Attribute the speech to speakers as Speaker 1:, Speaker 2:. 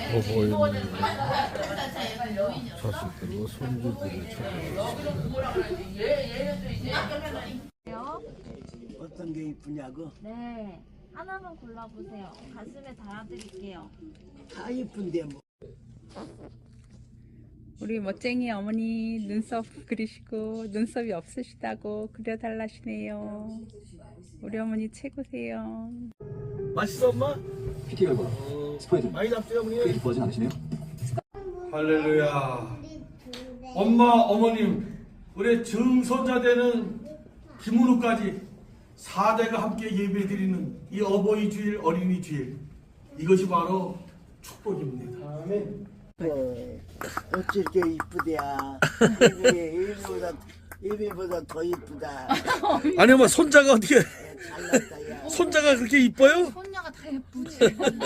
Speaker 1: 보이는 자식들과 손주들을 찾아왔습니다.
Speaker 2: 어떤 게 이쁘냐고?
Speaker 3: 네, 하나만 골라보세요. 가슴에 달아드릴게요.
Speaker 2: 다 이쁜데 뭐.
Speaker 4: 우리 멋쟁이 어머니 눈썹 그리시고 눈썹이 없으시다고 그려달라시네요. 우리 어머니 최고세요.
Speaker 5: 맛있어 엄마?
Speaker 6: PT 결과 스포해드
Speaker 5: 많이 잡수요
Speaker 6: 크게
Speaker 5: 어머니?
Speaker 6: 기뻐하진 않으시네요?
Speaker 5: 할렐루야. 엄마 어머님 우리 증손자 되는 김은우까지 4대가 함께 예배드리는 이 어버이 주일 어린이 주일 이것이 바로 축복입니다. 아멘.
Speaker 2: 어찌 이렇게 이쁘대야. 예비보다 더 이쁘다.
Speaker 5: 아니 엄마 손자가 어떻게
Speaker 2: 잘났다 야.
Speaker 5: 손자가 그렇게 이뻐요?
Speaker 3: 손녀가 다 예쁘지.